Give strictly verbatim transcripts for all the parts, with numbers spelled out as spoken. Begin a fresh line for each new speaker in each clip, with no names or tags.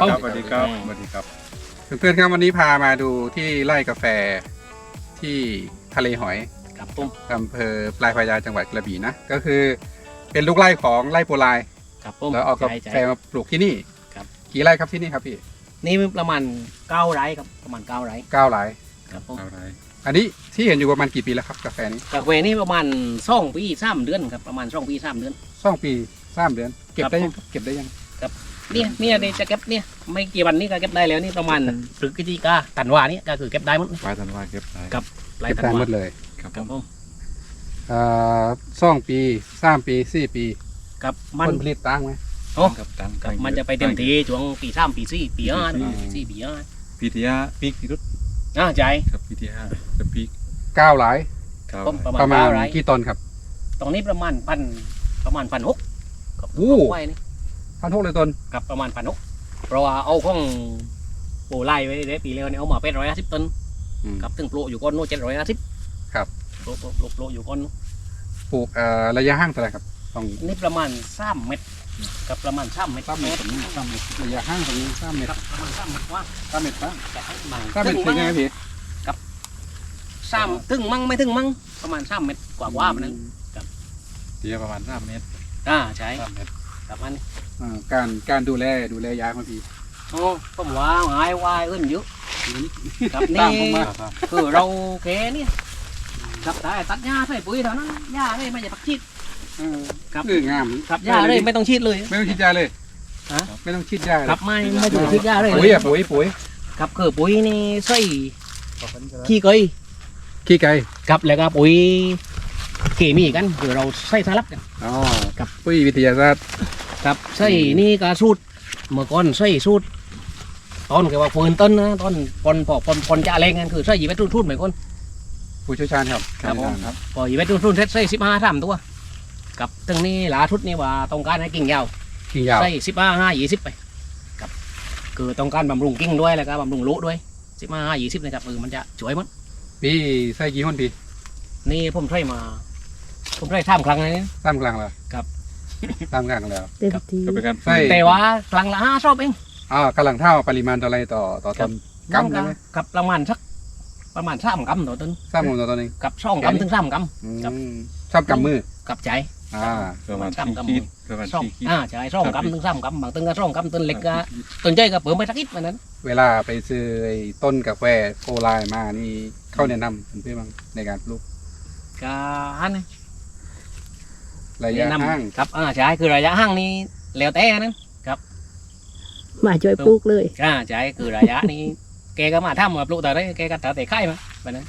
ครับสวัสดีครับสวัสดีครับ
เพื่อนๆครับวันนี้พามาดูที่ไร่กาแฟที่ทะเลหอย
ครับผม
อำเภอปลายพระยาจังหวัดกระบี่นะก็คือเป็นลูกไร่ของไร่โปรไล
ครับผม
แล้วเอากา
ใช่
แฟ
ใช่
มาปลูกที่นี่
ครับ
กี่ไร่ครับที่นี่ครับพี่
นี่ประมาณเก้าไร่ครับประมาณเก้าไร่
เก้าไร่
ครับผม
เอาไร
อันนี้ที่เห็นอยู่ประมาณกี่ปีแล้วครับกาแฟนี้
กาแฟนี่ประมาณสองปีสามเดือนครับประมาณสองปีสามเดือน
สองปีสามเดือน เก็บ
ครับ
ได้ยังเก็บได้ยัง
เนี่ยเนี่ยเดี๋ยวจะเก็บเนี่ยไม่กี่วันนี้ก็เก็บได้แล้วนี่ประมาณพฤศจิกาธันวานี่ก็คือเก็บได้หมด
ปลายธันวาเก็บได้
ครับ ปลาย
เก็บ
ธั
ได้
น
หม
วา
ดเลย
ครับ
ครับผม
อ่าสองปีสามปีสี่ปี
ครับมัน
ผลผลิตต่างไหม
โอ้
ครับตั้ง
ครับมันจะไปเต็มที่ช่วงปีสามปีสี่ปีห้า
ปี
ปีสี่ปีห้า
ปีที่ห้าปีที่รุด
อ่าใจ
ครับปีที่ห้าจะปี
เก้าไร่
เก้า
ผมประมาณ
ประมาณ
เก้าไร่
กี่ต้นครับ
ตรงนี้ประมาณพันประมาณพันหกกับ
โอ้
ไว้นี่
พันหกเลยต้น
กับประมาณพันหกเพราะว่าเอาของโปรไล่ไว้ได้ปีแล้วเนี่ยเอามาเป็นร้อยห้าสิบต้น
อืม
กับถึงโปรอยู่ก้อนโน้เจ็ดร้อยห้าสิบ
ครับ
โปรโปรโปรโปรอยู่ก้อนนู้น
ปลูกเอ่อระยะห่างเท่าไหร่ครับต้อง
นี่ประมาณสามเมตรกับประมาณสามเมตร
สามเมตรสามเมตรระยะห่างตรงนี้สามเมต
ค
ร
รับประมาณสามเมตรว่า
สามเมตรป่ะ
จะให้บาง
สามเมตรเป็นไงพี่
สามถึงมั่งไม่ถึงมั่งประมาณสามเมตรกว่าว่ามันนั้น
ตีประมาณสามเมตร
อ่าใช่
สามเมตร
กับมัน
อ่าการการดูแลดูแลยาครับพี่
โอ้ผมว่าหายวายอื่นเยอะกับ
ตาม
นี่
ผมมา
คือเราแกเนี่ยกับได้ตัดหญ้าใส่ปุ๋ยเท่านั้นหญ้าเลยไม่ใช่ปักชีด
เออ
ครับ
คืองาม
กับหญ้าเลยไม่ต้องชีดเลย
ไม่ต้องฉีดยาเลย
ฮะ
ไม่ต้องฉีดยาเลย
กับไม่ไม่ต้องชีดหญ้าเลย
ปุ๋ยอะปุ๋ยปุ๋ย
กับคือปุ๋ยนี่ใส่ขี้เกย
ขี้ไก่
กับแล้วก็ปุ๋ยเคมีกันคือเราใส่สลับกัน
อ๋อ
ครับ
ปุ๋ยวิทยาศาสตร์
กับใส่นี่ก็สูตรเมื่อก่อนใส่สูตรตอนก็ว่าฟืนต้นนะตอนปนพอปนปนจะอะไรกันคือใส่ยีเวทรุ่นรุ่นเหมือนคน
ผู้เชี่ยวชาญครับ
ครับผม
ครับ
พอยีเวทรุ่นรุ่นเซ็ตใส่สิบห้าสามตัวกับตึงนี้หลาชุดนี่ว่าต้องการให้กิ่งยาว
กิ่งยาว
ใส่สิบห้าห้ายี่สิบไปกับคือต้องการบำรุงกิ่งด้วยแล้วก็บำรุงลูกด้วยสิบห้าห้ายี่สิบนะครับเออมันจะสวยมั้ง
พี่ใส่กี่คนพี่
นี่ผมใช้มา ผมใช้ท่ามครั้งนี้
ตามกลางแล้ว
ครับ
ตามกลางแล้ว
เต็มที
ก็เป็นการ
ใช่
แต่ว่าครั้งละห้าชอบเอง
อ่ากำลังเท่าปริมาณต่ออะไรต่อต่อต้นกำใช่ไหม
กับประมาณสักประมาณสามกำต่อต้น
สามกำต่อต้นเอง
กับช่องกำถึงสามก
อื
ครับ
มสามกำมือ
ำกับใจ
อ่า
ประมาณ
สาม
สี่
กำ
ขีดประมาณ
ช่อง
สี่ขีด
อ่าใช่ช่องกำถึงสามกำบางต้นก็ช่องกำต้นเล็กก็ต้นใหญ่ก็เปิดไปสักนิดมันนั้น
เวลาไปซื้อไอ้ต้นกาแฟโกไลมานี่เข้าแนะนำเพื่อนๆบ้างในการปลูก
ก็ฮันนี่
ระยะ
แนะนำ
ห่าง
ครับอ่าใช่คือระยะห่างนี่แล้วแต่นั้น
มาช่วยปลูกเลย
อ่าใช่คือระยะนี้ แกก็มาทำมาปลูกแต่ได้แกก็แต่ไข่มาแบบนั้น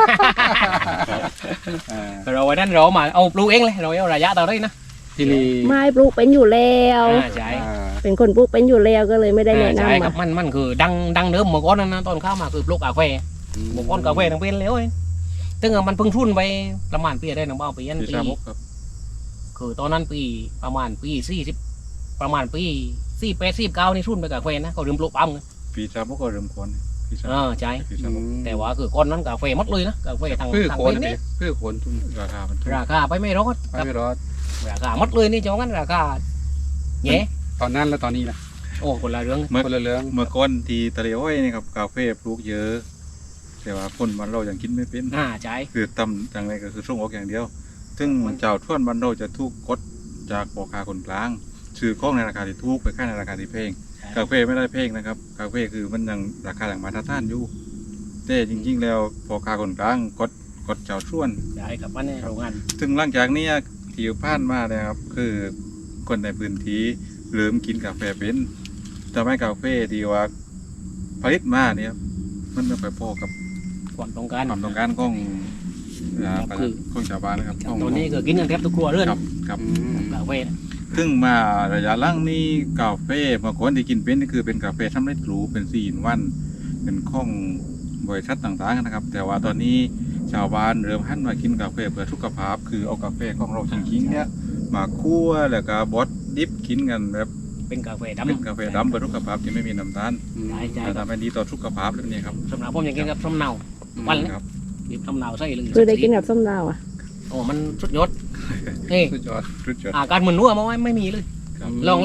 อ่า
เราวันนั้นเรามาเอาปลูกเองเลยเราเอาระยะต่อได้นะ
ที่นี่
ไม้ปลูกเป็นอยู่แล้ว
อ่าใช่
อ่า
เป็นคนปลูกเป็นอยู่แล้วก็เลยไม่ได้แนะ
ใช่
นำ
ครั
มา
บมันมันคือดังดังเดิมเมื่อก่อนนั้นนะตอนเข้ามาคือปลูกกาแฟเมื่อก่อนกาแฟทั้งเป็นแล้วเองตึงมันเพิ่งทุนไปประมาณปีได้หนึ่งเบ้าปีนั้น
ปี
ปี
สามหกครับ
คือตอนนั้นปีประมาณปีสี่สิบประมาณปีสี่แปดสี่เก้านี่ทุนไปกาแฟนะเขาเริ่มปลูกปั๊มกัน
ปีสามหกก็เริ่มก่อนปีสาม
อ่าใช่
ปีสามหก
แต่ว่าคือก่อนนั้นกาแฟหมดเลยนะกาแฟทาง
พืช
ทาง
โคน
เป็น
นะ
นี่
พี่พืชโคนทุ่ง
ราคามันถูก
ราคาไปไม่รอด
ไป
ครับ
ไม่รอด
ราคาหมดเลยนี่จ้างั้นราคาแย่
ตอนนั้นแล้วตอนนี้นะ
โอ้คนละเรื่อง
เมื่อ
คนละเรื่อง
เมื่อก่อนที่ทะเลอ้อยนี่ครับกาแฟปลูกเยอะ แต่ว่าคนบ้านเรายังกินไม่เป็น
อ่าใช่
คือตำอย่างไรก็คือส่งออกอย่างเดียว ซึ่งเจ้าท่วนบ้านเราจะถูกกดจากพ่อค้าคนกลางซื้อของในราคาที่ถูกไปขายในราคาที่แพงกาแฟไม่ได้แพงนะครับกาแฟคือมันยังราคาอย่างมาตรฐานอยู่แต่จริงๆแล้วพ่อค้าคนกลางกดกดเจ้าท่วน
ใช่ครับวันนี้โรงงาน
ซึ่งหลังจากนี้ที่ผ่านมาเนี่ยครับคือคนในพื้นที่เริ่มกินกาแฟเป็นจะไม่กาแฟที่ว่าผลิตมาเนี่ยครับมันไม่ค่อยพอกับ
ความต้องการ
ความต้องการของอ่า
ครับคือ
ของชาวบ้านนะครับของ
ตัวนี้คือกินกันแทบทุกครัวเรือน
ครับครับ
อืม
กาแฟนะ
ซึ่งมาระยะหล่างนี้กาแฟเมื่อก่อนที่กินเป็นนี่คือเป็นกาแฟทำเร็จรูปเป็นสี่อินวัน เป็นของบริษัทต่างๆนะครับ แต่ว่าตอนนี้ชาวบ้านเริ่มหันมากินกาแฟเพื่อสุขภาพ คือเอากาแฟของเราจริงๆเนี่ยมาคั่วแล้วก็บดดิบกินกันแบบ
เป็นกาแฟดำ
เป็นกาแฟดำเพื่อสุขภาพที่ไม่มีน้ำตาล
ใช่ใช่
จะทำให้ดีต่อสุขภาพแล้วนี่ครับ
สำหรับผมยังกินกับส้มเนาวันละ
ครับ
ดิบส้มเนาใส่เลย
คือได้กินกับส้มดาวอ่ะ
โอ้มันสุดยอดนี่
สุดยอด
รุดยอด
อาการมึนหัวมาไว้ไม่มีเลย
ครับ
ลองเลย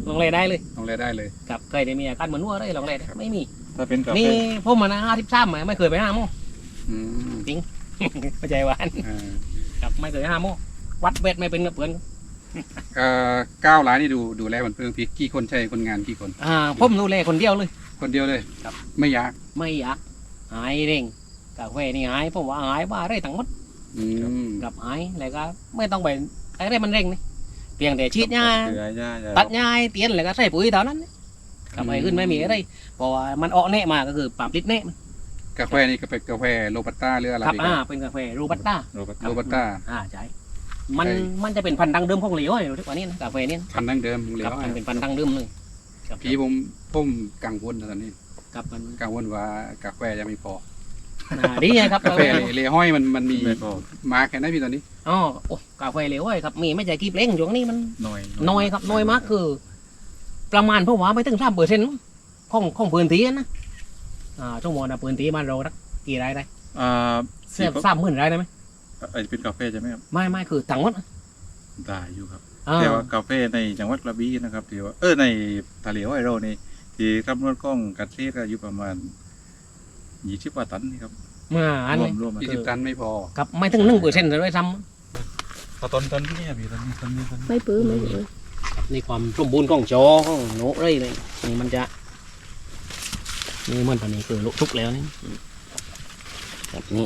ลองเลยได้เลย
ลองเลยได้เลย
กับเคยได้มีอาการเหมือนวัวได้ลองเลยได้ไม่มี
ถ้าเป็นกาแฟ
นี่ผมมานะห้าสิบสามไม่เคยไปห้าโมง
อืม
เข้าใจหวาน
อ่า
กับไม่เคยห้าโมงวัดเวทไม่เป็นกับเพื่อน
เอ่อเก้าร้านนี่ดูดูแลมันเพิ่งพี่กี่คนใช่คนงานกี่คน
อ่าผมดูแลคนเดียวเลย
คนเดียวเลย
ครับ
ไม่ยาก
ไม่อยากหายเร่งกาแฟนี่หายผมว่าหายว่าได้ทั้งหมด
อืม
กับหายแล้วก็ไม่ต้องไปอะไรมันเร่งนี่เพียงแต่ฉีดยา
เกลือยา
ตัดยาเตียนแล้วก็ใส่ปุ๋ยเท่านั้นกับไปขึ้นไม่มีอะไรเพราะว่ามันออกแน่มาก็คือปรับลิดแน่
กาแฟนี่ก็เป็นกาแฟโรบัสต้าหรืออะไร
ครับ
ดี
อ่าเป็นกาแฟโรบัสต้า
โรบัส
โรบัสต้า
อ่าใช่มันมันจะเป็นพันธุ์ดังเดิมของเหลวอยู่ทุกวันนี้นะกาแฟนี่
พันธุ์ดั้งเดิมเหล
ครับ
ว
มันเป็นพันธุ์ดังเดิมเลยครับ
พี่ผมผมกังวลนะตอนนี้
ครับมัน
กังวลว่ากาแฟยังไม่พอ
อ่าดีนะครับ
กาแฟเลห้อยมันมันมี
ไม่พอ
มาแค่ไหนพี่ตอนนี้
อ๋อโอ้กาแฟเหลวเว้ยครับมีไม่ใช่กีบเล้งอยู่นี้มัน
น้อย
น้อยครับน้อยมากคือ ประมาณเพราะว่าไม่ถึงสามเปอร์เซ็นต์ของของพื้นที่นะอ่าชั่วโมงนะพื้นที่มันเรารักกี่รายได้
อ่า
เสียสามหมื่นรายได้ไหม
ไอเป็นกาแฟใช่ไหมครับ
ไม่ไม่คือทั้งหมด
ได้อยู่ครับ
อ่า
แต่ว่ากาแฟในจังหวัดกระบี่นะครับที่ว่าเออในทะเลไวโรนี่ที่คำนวณกล้องกัดเทศก็อยู่ประมาณยี่สิบกว่าตันนี่ครับ
มาอัน
รว
นี้
มรวมมา
ยี่สิบตันไม่พอ
ครับไม่ถึงหนึ่งเปอร์เซ็นต์เลยซ้
พอต้นต้นที่นี่พี่ต้นนี้ต้นนี้ต้นนี้
ไม่ปื้อไม่ปื้อ
ำนี่ความสมบูรณ์ของจอของโน้เลยเลยนี่มันจะนี่มันตอนนี้คือลุกทุกแล้วนี่แบบนี้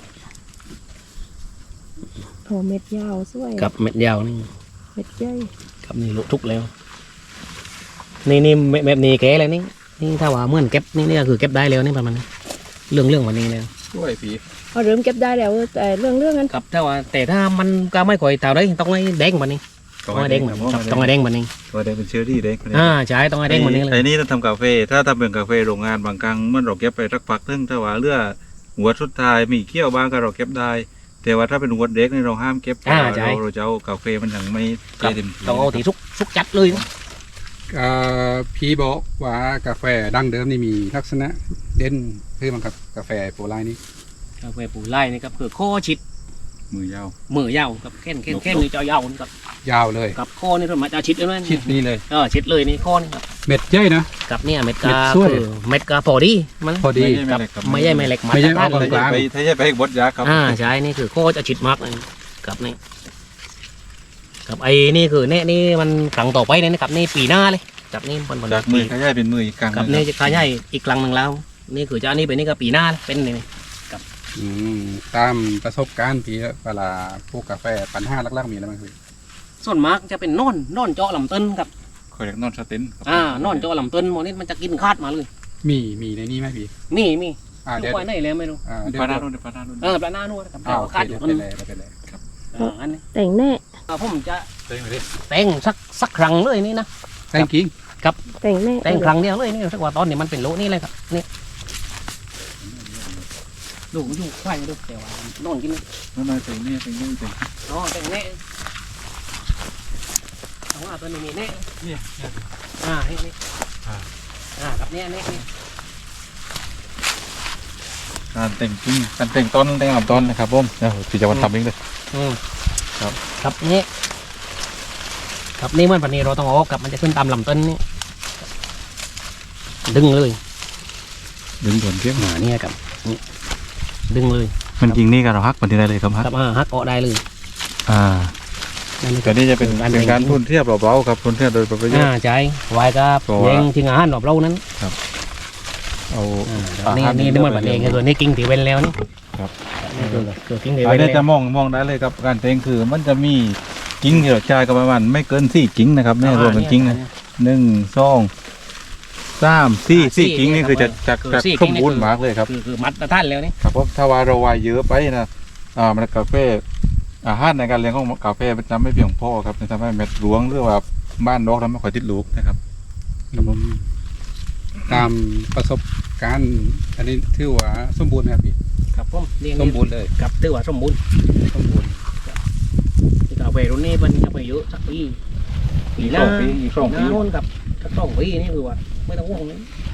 โถเม็ดยาวสวย
กับเม็ดยาวนี่
เม็ดใหญ่
กับนี่ลุกทุกแล้ว นี่นี่เม็ดแบบนี้แก่แล้วนี่นี่ถ้าว่าเหมื่อนเก็บนี่นี่ก็คือเก็บได้แล้วนี่ประมาณนี้เรื่องเรื่องวันนี้แล้ว
ช่วยพี่
เอาเริ่มเก็บได้แล้วแต่เรื่องเรื่องนั้น
ครับถ้าว่าแต่ถ้ามันก็ไม่ค่อยเท่าได้ต้องให้แดงวันนี้ต้องให้แดงวันนี้ครับต้องให้แดงวันนี้
ตัวแดงเป็นเชื้อรี่แดง
อ่าใช่ต้องให้แดงวันนี้เลย
ไอ้นี่เราทำกาแฟถ้าทำเป็นกาแฟโรงงานบางครั้งมันเราเก็บไปสักพักนึงถ้าว่าเลือหัวสุดท้ายมีเขี้ยวบ้างก็เราเก็บได้ แต่ว่าถ้าเป็นหัวเด็กนี่เราห้ามเก็บเพราะว่าเราเราจะเอากาแฟมันยังไม่เต็มที่
ต้องเอาที่สุกสุกจัดเลยนะ
เอ่อพี่บอกว่ากาแฟดั้งเดิมนี่มีลักษณะเด่นคือมันกับกาแฟโปรไลนี่
กาแฟปูไล่นี่ครับคือข้อชิด
มือยาว
มือยาวกับแค่นแค่นแค่นนี่จะยาวนี่กับ
ยาวเลย
กับข้อนี่ส่วนมากจะชิดแล้วนะ
ชิดนี่เลย
เออชิดเลยนี่ข้อนี่ครับ
เม็ดใหญ่นะ
กับเนี่ยเม็ดกา
เม็ดสวย
คือเม็ดกาพอดีมัน
พอดี
กับไม่ใช่ไม่เล็ก
ไม่ใช่
ตรฐาน
ออก
เลย
กลาง
ไปถ้าจะไปบดยาครับ
อ่าใช่นี่คือข้อจะชิดมากเลยกับนี่กับไอ้นี่คือเนี่ยนี่มันครั้งต่อไปเนี่ยนะครับนี่ปีหน้าเลยกับนี่มันมัน
จากมือขยายเป็นมืออีกครั้ง
กับ
หง
นี่จะขยายอีกครั้งหนึ่งแล้ว นี่คือจะอันนี้เป็นนี่ก็ปีหน้าเลยเป็นนี่
อืมตามประสบการณ์พี่เวลาพวกกาแฟปัญหาลักๆมีอะไรบ้างพี่
ส่วนมากจะเป็นนอนนอนเจาะลำต้นครับ
คอยเรียกนอนสเตนครับ
อ่านอนเจาะลำต้นโมนี่มันจะกินคาดมาเลย
มีมีในนี้ไหมพี่
มีมี
อ่า
ลู
เดี๋ยว
กไว้ไหนแล้วไม่รู้
อ่าเดี๋ยว
ปลาหน้าโน่นปลาหน้าโน่น
เออปลาหน้านู่นครับ
อ่า
เจาะ
โอเค
คาดอ
เดี๋ย
ยู่
ว
นั่น
ไปเลยเดี๋ยวไปเลย
อ่าอันนี้
แต่งแน่
อ่าผมจะ
เต็มเลย
แต่งสักสักครั้งเลยนี่นะ
แตงกิ้ง
แต่งแน่
แต่งครั้งเดียวเลยนี่สักว่าตอนนี้มันเป็นโลนี่เลยครับนี่ดูอยู่ควายดูแต่ว่านอนกิน
นั่นนายเต็มเนี่ยเต็มเนี่ยเต็ม
อ๋อแต่งแน่แต่ว่าตัวนี้มีแน่
เนี่ย
อ่านี่นี่อ่ากับเนี่ยนี่นี่
การแต่งจริงการแต่งต้นแต่งลำต้นนะครับผมเดี๋ยวพี่จะวันทำเองเลย
อืม
ครับ
กับนี่กับนี่มันปันนี้เราต้องเอาออกกับมันจะขึ้นตามลำต้นนี่ดึงเลย
ดึงส่วนเพียง
อ่าเนี่ยกับนี่ดึงเลย
มันจริงนี่ก็เราฮักมันที่ได้เลยครับฮัก
กับอ่าฮักเกาะได้เลย
อ่า
นั่น
แต่นี่จะเป็น
การ
เป็นการ
แต่ง
ทุนเทียบเบาๆครับทุนเทียบโดยประโยช
อ่า
น์
ใช่ไว้กับ
เพราะว่า
เลี้ยงทิ้งอาหารแบบเรานั้น
เอา
อ่า
อา
นี่
หาร
นี่นี่มันแบบเองคือนี่กิ้งถีเวนแล้วนี่
ครับ
นี่คือคือกิ้งถีเว
อัน
น
นี้
แล้
จะ
ว
มองมองได้เลยครับการแต่งคือมันจะมีกิ้งที่เราใช้ก็ประมาณไม่เกินสี่กิ้งนะครับเนี่ยรวมเป็นกิ้งนะหนึ่งสองสามสี่สี่กิ้งนี่คือจะจะจะสมบูรณ์มากเลยครับ
คือคือมัดท่านแล้วนี่
ครับเพราะถ้าว่าเราวายเยอะไปนะอ่ามันกาแฟอาหารในการเลี้ยงของกาแฟมันจะไม่เพียงพอครับจะทำให้เม็ดรวงหรือว่าบ้านดอกทำให้ค่อยติดลูกนะครับ ครับผม
ตามประสบการณ์อันนี้ถือว่าสมบูรณ์ไหมครับพี่
ครับผมนี่
สมบูรณ์เลย
กับถือว่าสมบูรณ์
สมบูรณ์
ที่กาแฟรุ่นนี้มันจะไปเยอะสักปีปีหน้า
สองปีอีกสอง
ห
ปี
น้าโน่นกับสักสองปีนี่คือว่าไม่ต้องห่วงนี่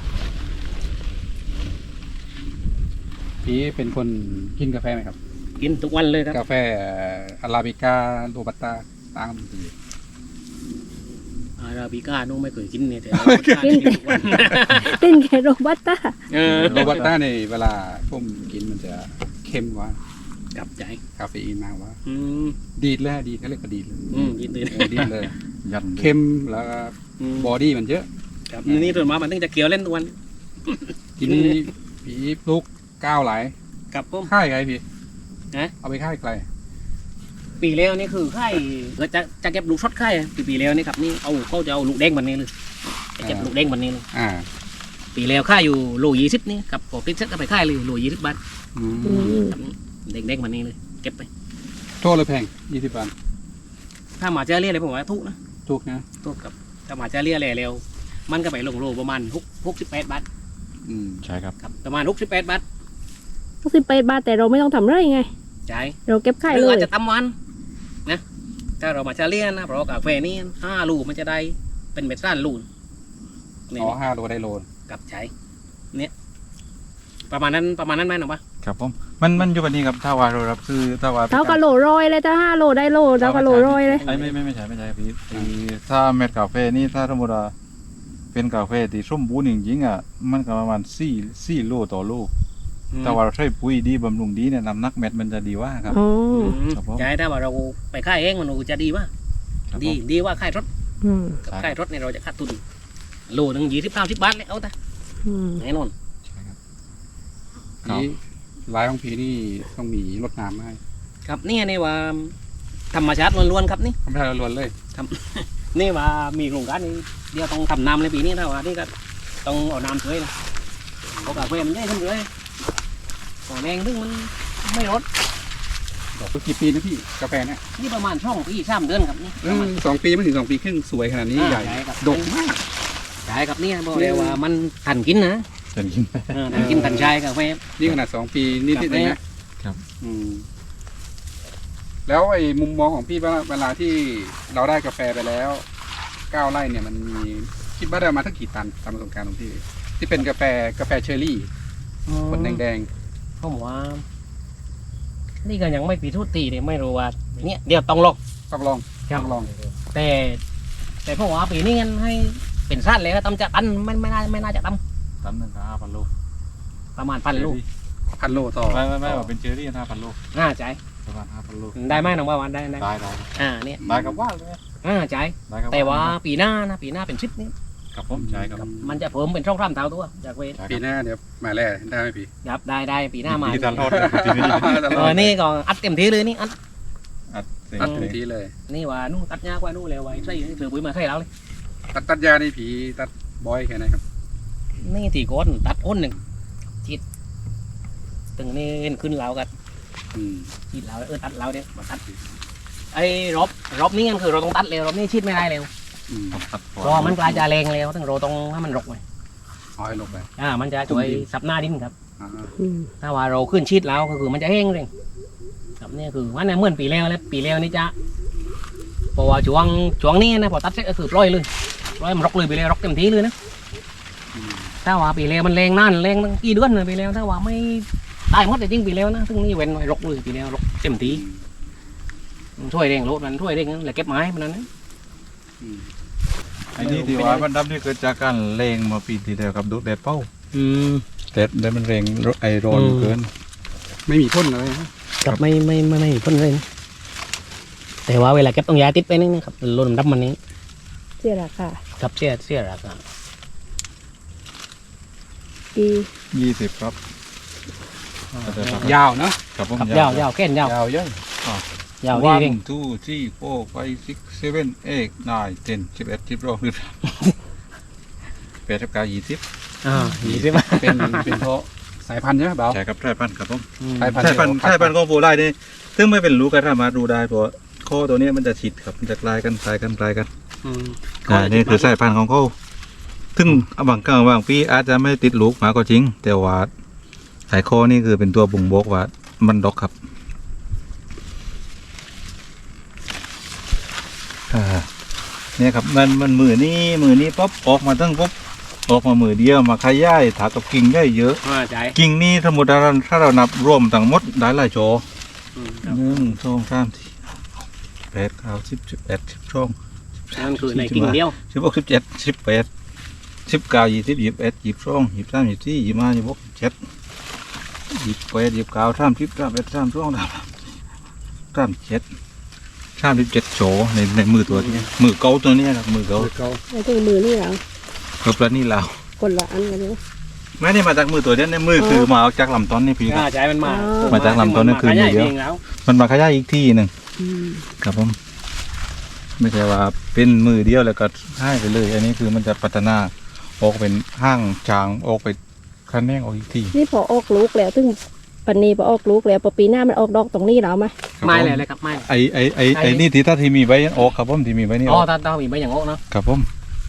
พี่เป็นคนกินกาแฟไหมครับ
กินทุกวันเลยครับ
กาแฟอาราบิก้าโรบัสต้าตามดี
อ่าราบิก้าน้องไม่เคยกินเนี่ยแต่อาราบิก้ากินทุกวัน
เต้นแค่โรบัสต้า
เออ
โรบัสต้าในเวลาผมกินมันจะเข้มกว่า
กับใจ
คาเฟอีนมากกว่า
อืม
ดีดเลยดีดเขาเรียกว่าดีดเลย
อืมยินดี
เออดีดเลย
ยัน
เข้มแล้วก็
อืม
บอดี้มันเยอะ
ครับนี่ตัวมามันต้องจะเกี่ยวเล่นทุกวัน
ทีนี้ผีลูกก้าวไหลาย
กับผม
ค่ายไงพี่
ฮะ
เอาไปค่ายไกล
ปีแล้วนี่คือไข่เราจะจะเก็บลูกช็อตไข่อะปีปีแล้วนี่ครับนี่เอาเขาจะเอาลูกแดงมันนี่เลยจะเก็บลูกแดงมันนี่เลย
อ่า
ปีแล้วค่ายอยู่โลยี่สิบนี่กับพอติดเซ็ตก็ไปค่ายเลยโลยี่สิบบาท
อืม
อืม
ครับเด็กๆมันนี่เลยเก็บไป
โทษเลยแพงยี่สิบบาท
ถ้าหมาเจาเรียอะไรผมว่าทุกนะ
ถูกนะ
ทุกกับถ้าหมาเจาเรียอะไรเร็วมันก็ไปลงโลประมาณหกหกสิบแปดบาท
อืม
ใช่ครับ
ครับประมาณหกสิบแปดบาท
ต้องสิบแปดบาทแต่เราไม่ต้องทำไรไง
จ่าย
เราเก็บขาย
หรื
เล
อย อาจจะตำวันนะถ้าเรามาเจาเรียนะเพราะว่ากาแฟนี่ห้าลูกมันจะได้เป็นเม็ดซ่านลูกนี่
อ๋อห้าโลได้โล
กับใช้เนี่ยประมาณนั้นประมาณนั้นไหมหนูปะ
ครับผมมันมันอยู่แบบนี้ครับถ้าว่าเรารับคือถ้าว่า
เท่ากับโลร้อยเลยถ้าห้าโลได้โลเท่ากับโลร้อยเลย
ไอ้ไม่ไม่ไม่ใช่ไม่ใช่พี่คือถ้าเม็ดกาแฟนี่ถ้าสมมติว่าเป็นกาแฟที่สมบูรณ์จริงๆอ่ะมันก็ประมาณสี่สี่โลต่อลูกแต่ว่าเราใช้ปุ๋ยดีบำรุงดีเนี่ยน้ำหนักเม็ดมันจะดีว่าครับ
อ๋อ
อืม
ครับผม
ใช่ถ้าว่าเราไปค่ายเองมันจะดีว่า
ครับ
ดี
ผม
ดีว่าค่ายรถ
อืม
กับค่ายรถเนี่ยเราจะขาดทุนโลหนึ่งยี่สิบเก้าสิบบาทเลยเอาแต่
อืม
แน่นอน
ผีลายของผีนี่ต้องมีรดน้ำให้
ครับนี่นี่ว่าธรรมชาติล้วนๆครับนี่
ทำให้เราล้วนเลย
นี่ว่ามีโครงการนี้เดี๋ยวต้องทำน้ำในปีนี้ถ้าว่านี่ก็ต้องเอาน้ำช่วยนะเพราะกาแฟมันได้ขึ้นเลยของแดงซึ่งมันไม่รส
ดอกกี่ปีนะพี่กาแฟเนี่ย
นี่ประมาณช่องปีสามเดือนครับนี่
เออสองปีไม่ถึงสองปีครึ่งสวยขนาดนี้ใหญ่
ครับ
ดกมาก
ใช่ครับเนี่ยบอกเลยว่ามันทันกินนะ
จะกิน
เออทันกินทันใช้กาแฟ
นี่ขนาดสองปีนิดๆเองนะครับ อืมแล้วไอ้มุมมองของพี่ว่าเวลาที่เราได้กาแฟไปแล้วเก้าไร่เนี่ยมันมีคิดว่าได้มาทั้งกี่ตันตามประสบการณ์ของพี่ ที่เป็นกาแฟกาแฟเชอร์รี่ผลแดง
ผมว่า นี่ก็ยังไม่ปีทุตีเนี่ยไม่รู้ว่าเนี่ยเดี๋ยวต้องลอง
ๆต้องลอง
ครับ
ต้องลอง
แต่ แต่ผมว่าปีนี้งั้นให้เป็นสั้นเลยก็ตำจะตันไม่ไม่น่าไม่น่าจะต
ตันหนึ่งห้าพันลูก
ำประมาณพันลูก
พันโลต่อ
ไม่ไม่ไม่ว่าเป็นเจอรี่ห้าพันลูก
น่าใจ
ประมาณห้าพันลูก
ได้ไหมน้องว่าวันได้ได้
ได้ได้
อ่าเนี่ย
ได้กับว่าเลย
น่าใจ
ได้กับ
แต่ว่าปีหน้านะปีหน้าเป็นชิปนี้
ครับผมใช่ครับ
มันจะเพิ่มเป็นช่องร่ำเท่าตัวจากเวท
ใช่
ปี
ครับ
หน้าเดี๋ยวมาแล่ได้ไหมพี่
ครับได้ได้ปีหน้ามา
ปีตลอดปีนี้
เออนี่ก็อัดเต็มที่เลยนี่อัด
อัดเต็ม
ตัดเต็ม
ที่
ที่เลย
นี่ว่านู่นตัดยากว่านู่นเลยไว้ใส่เสือปุ๋ยมาใส่แล้วเลย
ตัดตัดยานี่ผีตัดบอยแค่ไหนครับ
นี่ตีก้นตัดอ้นหนึ่งจิตตึงนี่เห็นขึ้นเรากัน
อืม
จิตเราเออตัดเราเนี่ยมาตัดไอ้รอบรอบนี้งั้นคือเราต้องตัดเร็วรอบนี้ชิดไม่ได้เร็ว
อืม
ตัด
เพราะมันกลายจะแรงเร็วต้องเราต้องให้มันรกไว้
เอาให้ลงไป
อ่ามันจะช่วยซับหน้าดินครับ
อ่า
อืม
ถ้าว่าเราขึ้นชิดแล้วก็คือมันจะแห้งเร่งครับนี่คือว่าในเหมื่อนปีแล้วแล้วปีแล้วนี่จะเพราะว่าช่วงช่วงนี้นะพอตัดเสร็จก็คือปล่อยเลยปล่อยมันรกเลยปีแล้วรกเต็มที่เลยนะ
อืม
ถ้าว่าปีแล้วมันแรงนั่นแรงตั้งกี่เดือนเลยปีแล้วถ้าว่าไม่ได้หมดแต่จริงปีแล้วนะซึ่งนี่เว้นไว้รกเลยปีแล้วรกเต็มที่มันช่วยเร่งรถมันช่วยเร่งนั่นแหละเก็บไม้มันนั้นนะ
อืม
ไอ้นี่ที่ว่ามันดับนี่เกิดจากการเลงมาปีที่แล้วกับดูดแดดเป้า
อืม
แดดแดดมันเร่งไอร้อน
อืม
เกิน
ไม่มีพ่นเลยนะ
กับไม่ไม่ไม่ไม่พ่นเลยนะแต่ว่าเวลาเก็บต้องย้ายติดไปนี่นะครับรถมันดับมันนี้
เสียราคา
กับเสียเสียราคา
ปี
ยี่สิบครับ
ยาวเนาะ
ครับผม
ครับยาวยาวแค่นยาวย
าวเยอะ
ยาว
วั
ดีเร่ง
นทูที่โฟร์ไฟซิกเซเว่นเอ็กนายเทนสิบเอ็ดสิบสองสิบสามแปดสิบเก้ายี่สิบ
อ่ายี่สิบ
เป็นเป็นเพราะสายพันธุ์ใช่ไหมเบา
ใช่ครับใช่พันธุ์ครับผม
สายพันธุ์
ใช่พันธุ์ใช่พันธุ์ของโฟไลนี่ซึ่งไม่เป็นรู้กันสามารถดูได้เพราะข้อตัวนี้มันจะฉีดครับมันจะกลายกันกลายกันกลายกัน
อืม
อ่านี่คือสายพันธุ์ของเขาซึ่งบางครั้งบางปีอาจจะไม่ติดลูกมาก็จริง แต่ว่าสายคอนี่คือเป็นตัวบ่งบอกว่ามันดอกครับอ่าเนี่ยครับมันมันมือนี้มือนี้ป๊บออกมาตั้งป๊บออกมามือเดียวมาขยายถากับกิ่งได้เยอะ
อ่าใจ
กิ่งนี้สมมติเราถ้าเรานับรวมทั้งหมดได้หลายโจ
อืม
หนึ่งสองสามสี่แปดเก้าสิบสิบเอ็ดสิบสองสิบ
นั่นคือในกิ่งเดียว
สิบหกสิบเจ็ดสิบแปดสิบเก้ายี่สิบยี่สิบเอ็ดยี่สิบสองยี่สิบสามยี่สิบสี่ยี่สิบห้ายี่สิบหกยี่สิบเจ็ดยี่สิบแปดยี่สิบเก้าสามสิบสามเอ็ดสามสองสามสามเจ็ดสามสิบเจ็ดโฉในในมือตัวนี้มือเกาตัวนี้ครับมือเกา
เก่า
ไอ้ตัวมือนี่เหรอ
ครับแล้วนี่เรา
คนละอันกันเลย
ไม่ได้มาจากมือตัวเดียวในมือคือมาเอาจากลำต้นนี่พี่ค
อ่า
รับ
ใจมันมา
มาจากลำต้นนั่นคือ
มา
มือเดียว
ขางแล้ว
มันมาขยายอีกที่หนึ่ง
อืม
ครับผมไม่ใช่ว่าเป็นมือเดียวแล้วก็ให้ไปเลย อันนี้คือมันจะพัฒนาออกเป็นห้างจางออกไปคันแนงออกอีกที่
นี่พอออกลูกแล้วซึ่งปันนี้พอออกลูกแล้วพอปีหน้ามันออกดอกตรงนี้แล้วไหม
ไม่เลยเลยครับไม่
ไอไอไอไอนี่ที่ถ้าที่มีใบออกครับผมที่มีใบนี่อ
อ๋อ
อก
ตาตามีใบอย่างโง่เนาะ
ครับผม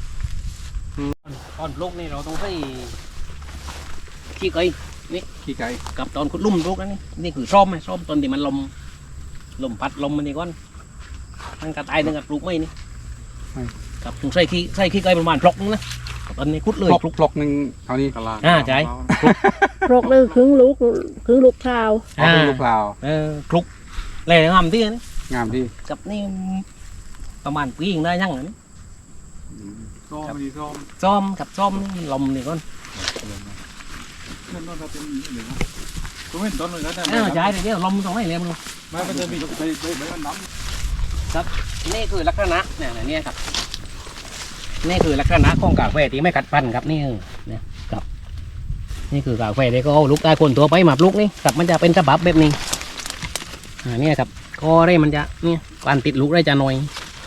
ตอนปลูกนี่เราต้องใช้ขี้ไก่
ขี้ไก่
กับตอนขุดลุ่มปลูกนั่นนี่นี่คือซ่อมไหมซ่อมตอนที่มันลมลมพัดลมมันนี่ก่อนมันกระตายนึงกับปลูกไม่นี่กับต้องใส่ขี้ใส่ขี้ไก่ประมาณพลอกนึงนะตอนนี้ขุดเลย
พลกพลกหนึ่งเท่านี้
อ่าใช่
โรคเลยครึ่งลูกครึ่งลูกเท้า
เอาเป็นลูกเปล่า
เออคลุกเลยงามที่นี่
งามที่
กับนี่ประมาณปีนึงได้ยังนะ
ซ้อมดีซ้อม
ซ่อมกับซ่อมนี่ลมนี่ก่อน
นั่นนั่นเป็นหนึ่งก็ไม่ต้นเลยนะแต่
อ่าใช่เดี๋ยวลมตรงไหนเลยมึง
ไม่มันจะมีใบใบใบมันน้ำ
นี่คือลักษณะเนี่ยนะเนี่ยครับนี่คือลักษณะของกาแฟที่ไม่กัดฟันครับนี่เนี่ยครับนี่คือกาแฟที่ก็เอาลูกได้คนตัวไปมาปลูกนี่ครับมันจะเป็นฉบับแบบนี้อ่าเนี่ยครับก็ได้มันจะเนี่ยการติดลูกได้จะน้อย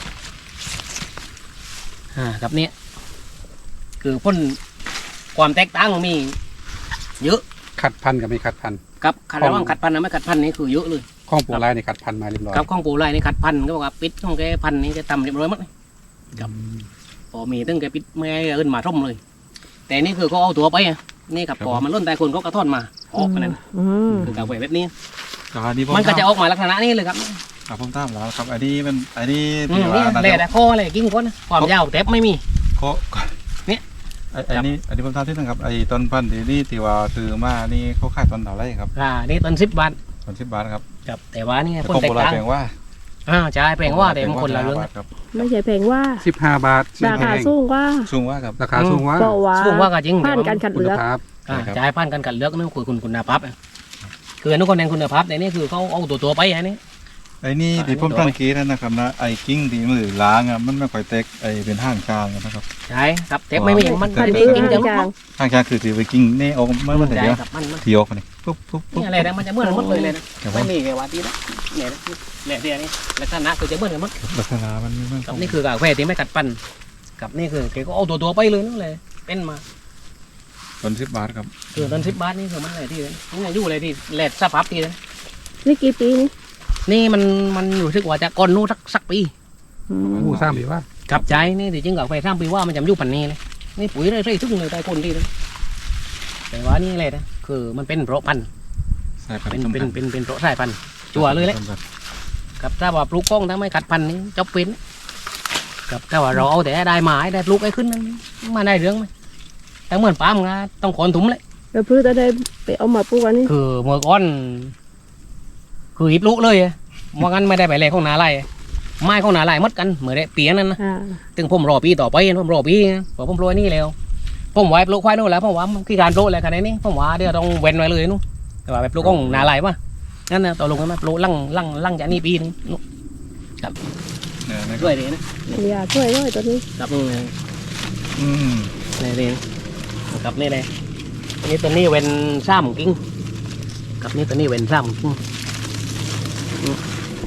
อ่าครับเนี่ยคือพ่นความแตกต่างมันมีเยอะ
ขัดพันกับไม่ขัดพัน
ครับขัดระหว่างขัดพันกับไม่ขัดพันนี่คือเยอะเลย
ข้องปูลายในขัดพันมาเรียบร้อย
ครับข้องปูไล่นี่ขัดพันก็บอกว่าปิดของแกพันนี่จะทำเรียบร้อยหมดเลย ครับพอมีตั้งแกปิดไม่ให้เอินมาร่มเลย แต่นี่คือเขาเอาตัวไปอ่ะนี่กับ
ครับ
พอมันล้นแต่คนก็กระท่อนมาออกกันนั่น
อืม
คือกาแฟแบบนี้
อันนี้ผม
มันก็จะออกมาลักษณะนี้เลยครับ
ครับผมตามแล้วครับอันนี้มันอันนี้
อื
ที่
ม
ว่า
นี่
น่า
แหละ
จะ
แต่ข้ออะไรกิ้งก้นนะความยาวแต่ไม่มี
เขา
เนี่ย
ไอ้ไอ้นี่อันนี้ผมทราบที่นึงครับไอ้ต้นพันธุ์ที่นี่ที่ว่าซื้อมานี่เขาขายต้นเท่าไรครับ
อ่านี่ต้นสิบบาท
ต้นสิบบาทครับ
ครับแต่ว่านี่
แต่
คน
ของ
แต
โบ
ก
ราณ
ต่าง
แพงว่า
อ่าใช่แปลงว่าแต่มันคนละเรื่อง
บาทครับ
ไม่ใช่แพงว่า
สิบห้าบาทสิบ
รา
แพ
คาง สูงกว่า
สูงว่าครับ
ราคาสูงว่า
เพราะว่า
สูงว่าก็จริง
ผ่าน
แต่
การ
ว่า
คัด
คุณ
เลือก
ภาพ
อ่า
ใช่ครับ
ใช่ผ่านการกัดเลือกนั่นคือคุณคุณภาพอ่ะคืออนุคนแนนคุณภาพแต่นี่คือเขาเอาตัวตัวไปอันนี้
ไอ้นี่
อ่า
ที่ผม
อันนี้
สังเกตนะครับนะไอ้กิ้งที่มือล้างอ่ะมันไม่ค่อยแตกไอ้เป็นห้างชางนะครับ
ใช่ครับแต่ไม่มีมัน
พัน
ไม่
ธุ์
กิ้ง
จา
จะ
งจาง
ห้างชางคือถือไปกิ้งเน่ออกมันมันแต่
ใช่
เดียว
ครับมันมัน
ทีออกนี่ปุ๊บปุ๊บปุ๊บ
นี่อะไรนะมันจะเหมือนกันหมดเลยเลยนะครับ
ผ
ไม่
ม
มีแค่ว่าที่นะเนี่ยนะเนี่ยเดียวนี่ลักษณะคือจะเหมือนกันหมด
ลักษณะมันมัน
กับนี่คือกาแฟที่ไม่กัดปันกับนี่คือแกก็เอาตัวตัวไปเลยนั่นเลยเป็นมา
ต้นสิบบาทครับ
คือตอนสิบบาทนี่คือมันอะไรที่เลยนี่อยู่อะไรที่แหลดสภาพที่เลย
นี่กี่ปีนี่
นี่มันมันรู้สึกว่าจะก่อนนู้นสักสักปี
อืม
ผู้สร้างบีว่า
กับใจนี่ที่จริงกาแฟสร้างปีว่ามันจะอยู่ปันนี้เลยนี่ปุ๋ยได้ใส่ทุกเลยใต้คนที่เลยแต่ว่านี่อะไรนะคือมันเป็นเพราะพันธุ์
สายพัน
เป็น
ธุ์
เป็นเป็นเป็นเพราะสายพันธุ์จั่วเลยแหละ กับถ้าว่าปลูกกล้องถ้าไม่ขัดพันธุ์นี่จบเป็นกับถ้าว่าเราเอาแต่ได้ไม้ได้ปลูกไอ้ขึ้นนั้นมาได้เรื่องไหมแต่เหมือนปาล์มนะต้องขนถุงเลย
แล้วพืชจะได้ไปเอามาปลูกอันนี้
คือเมื่อก่อนคือหิบลูกเลยอะว่างั้นไม่ได้ไปเลยของนาไร่ไม้ของนาไร่หมดกันเหมือนได้เปียนั้นนะ
อ่า
ถึงผมรอปีต่อไปผมรอปีนะพอผมรวยนี่แล้วผมไว้ปลูกควายนู่นแล้วผมว่าขี้การปลูกอะไรขนาดนี้ผมว่าเดี๋ยวต้องเว้นไว้เลยนู่นแต่ว่าไปปลูกของนาไร่ป่ะนั่นนะต่อลงกันมาปลูกลั่งลั่งลั่งจากนี่ปีนึงนู่น
เนี่ยนะค
ด้
รับ
วยดีนะ
อย่าช่วยด้วยตัวนี้
กับ
อืม
นี่เองกับนี่เลยอันนี้ตัวนี้เว้นซ้ำกิ้งกับนี่ตัวนี้เว้นซ้ำกิ้งอืม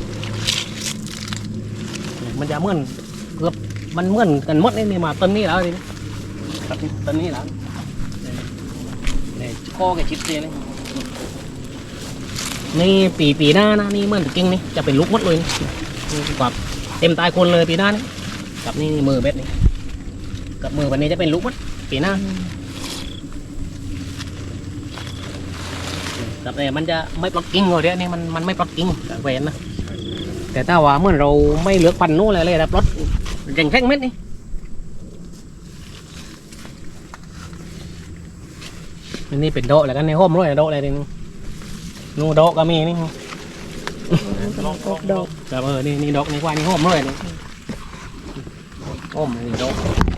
มันจะเหมือนเกือบมันเหมือนกันหมดนี่นี่มาต้นนี้แล้วทีนี้ครับต้นนี้แล้วนี่ข้อกับชิปเสียเลยนี่ปีปีหน้านะนี่เหมือนกิ้งนี่จะเป็นลูกหมดเลยนี่กับเต็มตายคนเลยปีหน้านี่กับนี่มือเบ็ดนี่กับมือวันนี้จะเป็นลูกหมดปีหน้า แต่เนี่ยมันจะไม่ปลักกิ้งเลยเนี่ยนี่มันมันไม่ปลักกิ้งกับแหวนนะแต่ถ้าว่าเมื่อเราไม่เหลือกพันนู้นเลยเลยนะปลดแข่งแท่งเม็ดนี่อันนี่เป็นโดะแล้วกันในห้อมร้อยโดะอะไรนี่นูโดะก็มีนี่
กำลังออกดอก
แต่เออนี่นี่ดอกนี่กว่านี่ห้อมร้อยนี่โอ้มนี่โด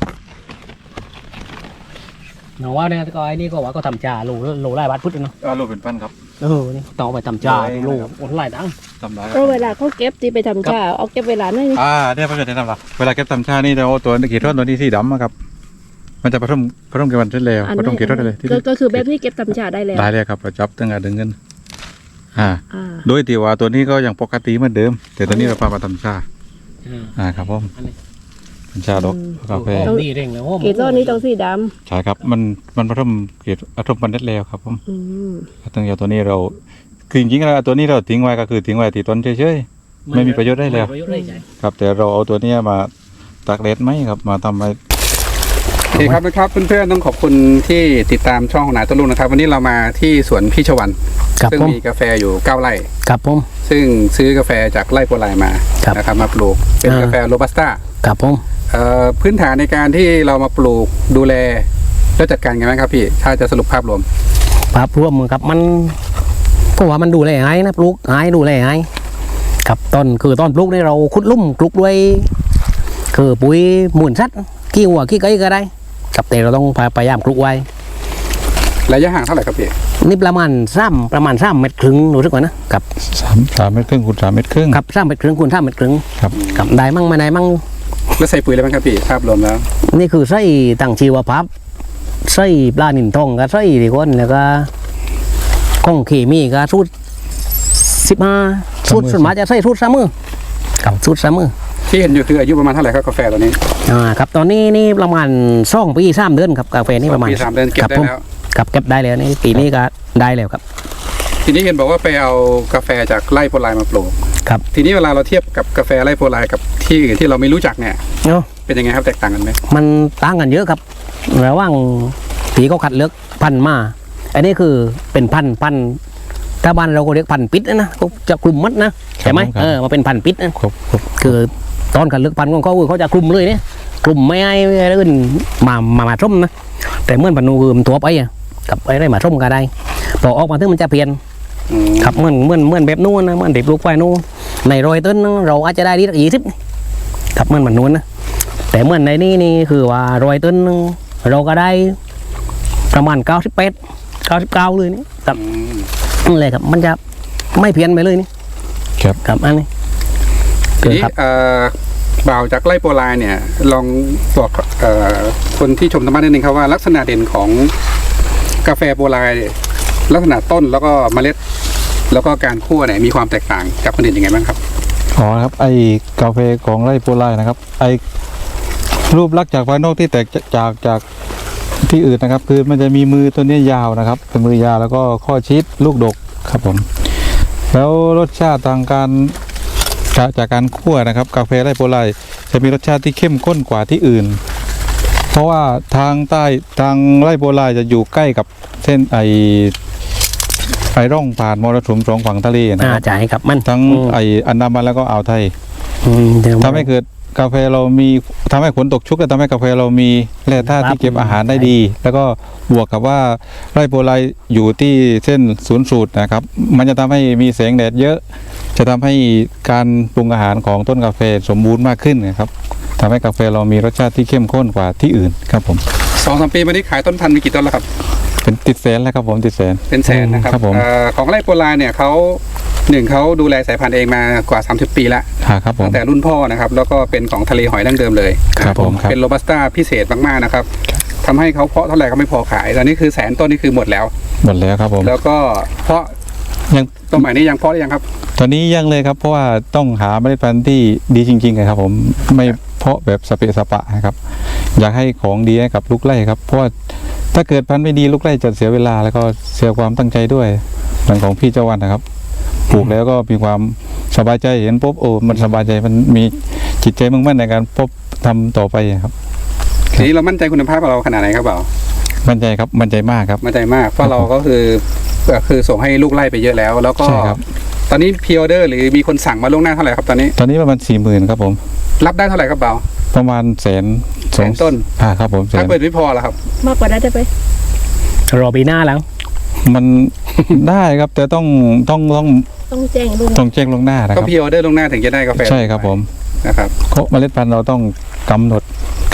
หนูว่าเนี่ยก็ไอ้นี่ก็ว่าก็ทำจ่าโลโลไล่บาทพุทธเนาะ
อ่ารูปเป็นปั้นครับ
เออนี่ต้องเอาไปทำจ่าโลโอนไล่ดัง
ทำได้
เพราะเวลาเขาเก็บที่ไปทำชาเอาเก็บเวลาหน่อยนี่
อ่าเนี่ยเพื่อนจะทำละเวลาเก็บตำชานี่เราเอาตัวกี่ท่อนตัวนี้สีดำอะครับมันจะผสมผสมกันวันเสร็จแล้วผสมกี่ท่อนได้เลยที่
ก็ก็คือแบบนี้เก็บทำชาได้แล้ว
ได้เลยครับเราจับตั้งแต่ดึงเงินอ่า
อ่า
โดยที่ว่าตัวนี้ก็ยังปกติเหมือนเดิม แต่ตัวนี้เราพามาทำชา
อ่า
อ่าครับผม
อันนี้
ทำชาดอกกาแฟ
โอ้มนี่เร่งเลยโอ้ม
กี่ต้นนี้ต้องสีด
ใช่ครับมันมันผสมเกล็ดผสมมันเด็ดแล้วครับผม
ำอืม
ตั้งแต่ตัวนี้เราคือจริงๆแล้วตัวนี้เราทิ้งไว้ก็คือทิ้งไว้ที่ต้นเฉยๆไม่มีประโยชน์ได้แล้ว
ม่มีประโยชน์ได้ใช่
ครับแต่เราเอาตัวเนี้ยมาตากแดดไหมครับมาทำไว้
โอเคครับนะครับเพื่อนๆต้องขอบคุณที่ติดตามช่องของนายต้นลุงนะครับ วันนี้เรามาที่สวนพี่ชวัน
ครับ
ซึ่ง
ผม
มีกาแฟอยู่เก้าไร่
ครับผม
ซึ่งซื้อกาแฟจากไร่โปรไลมา
ครับ
นะครับมาปลูกเป็น
อ่าก
กาแฟโรบัสต้า
ครับผม
เอ่อพื้นฐานในการที่เรามาปลูกดูแลแล้วจัดการไงบ้างครับพี่ถ้าจะสรุปภาพรวม
ภาพรวมครับมันก็ว่ามันดูแลง่ายนะปลูกง่ายดูแลง่ายครับต้นคือต้นปลูกนี่เราขุดลุ่มปลูกด้วยคือปุ๋ยหมุนสัตว์ขี้หัวขี้ไก่ก็ได้ครับแต่เราต้องพยายามปลูกไว้
ระยะห่างเท่าไหร่ครับพี่
นี่ประมาณซ้ำประมาณซ้ำเมตรครึ่งรู้สึกว่านะครับ
สามสามเมตรครึ่งคูณสามเมตรครึ่ง
ครับซ้ำเมตรครึ่งคูณซ้ำเมตรครึ่ง
ครับ
ครับได้มั่งไม่ได้มั่ง
แล้วใส่ปุ๋ยอะไรบ้างครับพี่ภาพรวมแล้ว
นี่คือไส้ต่างชีวภาพไส้ปลาหนินทองกับไส้ดีก้นแล้วก็ของเคมีก็สูตรสิบห้าสูตรส่วนมากจะใส่สูตรสามมือกับสูตรสามมือ
ที่เห็นอยู่คืออายุประมาณเท่าไหร่ครับกาแฟตัวนี้
อ่าครับตอนนี้นี่ประมาณสองปีสามเดือนครับกาแฟนี่ประมาณ
ปีสามเดือนเก็บ
ครับ
ได้
ผม
แล้ว
ครับเก็บได้แล้วนี่ปีนี้ก็ได้แล้วครับ
ทีนี้เห็นบอกว่าไปเอากาแฟจากไร่โปรไลมาปลูก
ครับ
ทีนี้เวลาเราเทียบกับกาแฟไร่โปรไลกับที่อื่นที่เราไม่รู้จักเนี่ย
เนาะ
เป็นยังไงครับแตกต่างกันไหม
มันต่างกันเยอะครับระหว่างผีเขาคัดเลือกพันธุ์มา อันนี้คือเป็นพันธุ์พันธุ์ถ้าบ้านเราก็เรียกพันธุ์ปิดนะนะเขาจะคลุมมัดนะใช่ไหมเออมาเป็นพันธุ์ปิดนะ
ครบครบ
คือตอนคัดเลือกพันธุ์ของเขาคือเขาจะคลุมเลยเนี่ยคลุมไม่ให้อะไรอื่นมามามาส้มนะแต่เมื่อพันธุ์นูคือมันตัวไปอะกับไอ้ไรมาส้มก็ได้พอออกมาถึงมันจะเปลี่ยน
อืม
ครับเหมือนเหมือนเหมือนแบบนู้นนะเหมือนเด็กลูกควายนู้นในรอยต้นเราอาจจะได้ดีสักยี่สิบครับเหมือนมันนู้นนะแต่เหมือนในนี้นี่คือว่ารอยต้นเราก็ได้ประมาณเก้าสิบแปดเก้าสิบเก้าเลยนี่ครับ
อืม
นั่นเลยครับมันจะไม่เพี้ยนไปเลยนี่
ครับ
ครับอันนี้
ทีนี้
ครับ
เอ่อบ่าวจากไร่โปรไลเนี่ยลองบอกเอ่อคนที่ชมธรรมะนิดนึงครับว่าลักษณะเด่นของกาแฟโปรไลลักษณะต้นแล้วก็เมล็ด แล้วก็การคั่วเนี่ยมีความแตกต่างกับคนอื่นยังไงบ้างครับ
อ๋อครับไอ้กาแฟของไร่โปรไลนะครับไอ้รูปลักษณ์จากภายนอกที่แตกจากจากที่อื่นนะครับ คือมันจะมีมือตัวเนี้ยยาวนะครับเป็นมือยาวแล้วก็ข้อชิดลูกดกครับผมแล้วรสชาติทางการจากจากการคั่วนะครับ กาแฟไร่โปรไลจะมีรสชาติที่เข้มข้นกว่าที่อื่น เพราะว่าทางใต้ทางไร่โปรไลจะอยู่ใกล้กับเส้นไอไอร่องผ่านมรสุมสองฝั่งทะเลนะ
อ่า
ครับ
จ่ายครับมัน
ทั้ง
อืม
ไออันดามันแล้วก็อ่าวไทย
อืมเดี๋ยว
ทำให้เกิดกาแฟเรามีทำให้ฝนตกชุกและทำให้กาแฟเรามีแร่ธาตุ
ครับ
ที่เก็บอาหารได้ดี แล้วก็บวกกับว่าไร่โพไลอยู่ที่เส้นศูนย์สูตรนะครับ มันจะทำให้มีแสงแดดเยอะ จะทำให้การปรุงอาหารของต้นกาแฟสมบูรณ์มากขึ้นนะครับทำให้กาแฟเรามีรสชาติที่เข้มข้นกว่าที่อื่นครับผม
สองสามปีมานี้ขายต้นพันธุ์มีกี่ต้นแล้วครับ
เป็นติดแสนแล้วครับผมติดแสน
เป็นแสนนะครับ
ครับผม
เอ่อของไร่โปรไลเนี่ยเขาหนึ่งเขาดูแลสายพันธุ์เองมากว่าสามสิบปีแล้ว
ค่ะครับผม
ตั้งแต่รุ่นพ่อนะครับ แล้วก็เป็นของทะเลหอยดั้งเดิมเลย
ครับผมครับ
เป็นโรบัสต้าพิเศษมากๆนะครับทำให้เขาเพาะเท่าไหร่ก็ไม่พอขายตอนนี้คือแสนต้นนี่คือหมดแล้ว
หมดแล้วครับผม
แล้วก็เพาะ
ยัง
ต้นใหม่นี้ยังเพาะได้ยังครับ
ตอนนี้ยังเลยครับเพราะว่าต้องหาเมล็ดพันธุ์ที่ดีจริงๆนะครับผมไม่เพาะแบบสเปะสปะนะครับ อยากให้ของดีให้กับลูกไร่ครับเพราะว่าถ้าเกิดพันธุ์ไม่ดีลูกไร่จะเสียเวลาแล้วก็เสียความตั้งใจด้วยเหมือนของพี่เจ้าวันนะครับปลูกแล้วก็มีความสบายใจเห็นปุ๊บโอ้มันสบายใจมันมีจิตใจมุ่งมั่นในการพบทำต่อไปครับ
ทีนี้เรามั่นใจคุณภาพของเราขนาดไหนครับเปล่า
มั่นใจครับมั่นใจมากครับ
มั่นใจมากเพราะเราก็คือก็คือส่งให้ลูกไร่ไปเยอะแล้ว แล้วก็
ใช่ครับ
ตอนนี้พรีออเดอร์หรือมีคนสั่งมาล่วงหน้าเท่าไหร่ครับตอนนี้
ตอนนี้ประมาณสี่หมื่นครับผม
รับได้เท่าไหร่ครับเปล่า
ประมาณแสนสอง
แสนต้น
อ่าครับผมแส
ถ้าน เปิดไม่พอแล้วครับ
มากกว่านั้นได้ไหม
รอปีหน้าแล้ว
มัน ได้ครับแต่ต้องต้องต้อง
ต้องแจ้งลุง
ต้องแจ้งล่วงหน้านะค
ก็
รับ
พรีออเดอร์ล่วงหน้าถึงจะได้กาแฟ
ใช่ครับผม
นะครับ
เมล็ดพันธุ์เราต้องกำหนด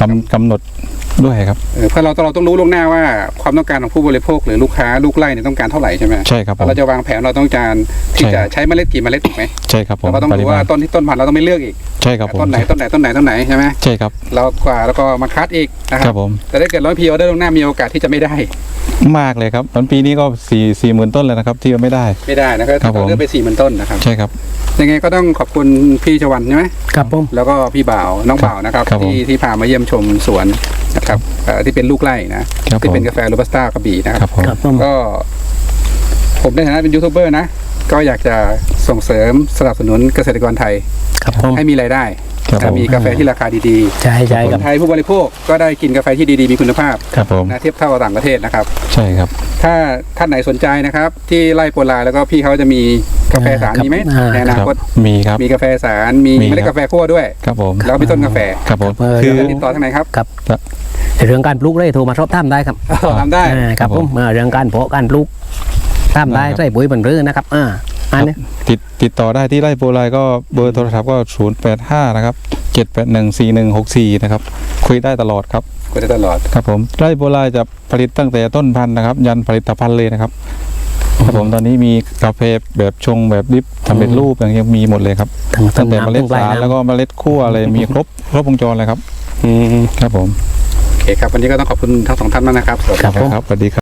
กำกำหนดด้วยครับ
เออเพราะเราเราต้องรู้ล่วงหน้าว่าความต้องการของผู้บริโภคหรือลูกค้าลูกไร่เนี่ยต้องการเท่าไหร่ใช่ไหม
ใช่ครับผม
เราจะวางแผนเราต้องการที่
ใช่
จะใช้เมล็ดกี่เมล็ดถูกไหม
ใช่ครับผม
เราก็ต้องดูว่าต้นที่ต้นพันธุ์เราต้องไม่เลือกอีก
ใช่ครับผม
ต้นไหนต้นไหนต้นไหนต้นไหนใช่ไหม
ใช่ครับ
เรากว่าแล้วก็มาคัดอีกนะค
ค
รั
รั
บบ
ผม
แต่ถ้าเกิดร้อยพีออเดอร์ล่วงหน้ามีโอกาสที่จะไม่ได้
มากเลยครับตอนปีนี้ก็สี่สี่หมื่นต้นเลยนะครับที่ไม่ได้
ไม่ได้นะครับ
ครับผม
เลือกไปสี่หมื่นต้นนะครับ
ใช่ครับ
ยังไงก็ต้องขอบคุณพี่ชวันใช่ไหม
ครับผม
แล้วก็พี่บ่าวน้องบ่าวนะครับ
ครับผม
ที่ที่พามาเยี่ยมชมสวนนะครับเอ่อที่เป็นลูกไร่นะครับ ที่เป็น
ผม
กาแฟโรบัสต้ากระบี่นะค
ครั
รั
บบ ผม
ครับผม
ก็ผมในฐานะเป็นยูทูบเบอร์นะก็อยากจะส่งเสริมสนับสนุนเกษตรกรไทย
ครับผม
ให้มีรายได้
ครับ
และ
ผม
มีกาแฟที่ราคาดี
ใช่ใช่
ๆค
ครับ
นไทยผู้บริโภคก็ได้กินกาแฟที่ดีๆมีคุณภาพ
ครับผม
นะเทียบเท่ากับต่างประเทศนะครับ
ใช่ครับ
ถ้าท่านไหนสนใจนะครับ ที่ไร่โปรลาแล้วก็พี่เขาจะมีกาแฟสาร
ครับ
มีไหม
อ่า
ในอนาคต
มีครับ
มีกาแฟสารมี
มี
เมล็ด
ครับ
กาแฟคั่วด้วย
ครับผม
แล้วก็มีต้นกาแฟ
ครับผม
เออ
คือ
ติดต่อทางไหนครับ
ครับเรื่องการปลูกเลยโทรมาสอบถามได้ครับ
ทำได้
อ่าครับผมอ่าเรื่องการเพาะการปลูกถามได้
ได้ครับ
ใส่ปุ๋ยบนเรือนะครับอ่าอันนี้
ติดติดต่อได้ที่ไร่โปรไลก็เบอร์โทรศัพท์ก็ศูนย์แปดห้านะครับเจ็ดแปดหนึ่งสี่หนึ่งหกสี่นะครับคุยได้ตลอดครับ
ก็ได้ตลอด
ครับผมไร่โปรไลจะผลิตตั้งแต่ต้นพันธุ์นะครับ ยันผลิตภัณฑ์เลยนะครับครับผมตอนนี้มีกาแฟแบบชงแบบดิฟสำเร็จรูปอย่างเงี้ยมีหมดเลยครับ
ทั้ง
ตั้งแต่
น้ำ
เมล็ด
ทั้งปลาย
สาร
น้ำ
แล้วก็เมล็ดคั่วอะไรมีครบครบวงจรเลยครับ
อืม
ครับผม
โอเคครับวันนี้ก็ต้องขอบคุณทั้งสองท่านมากนะครับสวัสดี
ครับผม
ครับสวัสดีครับ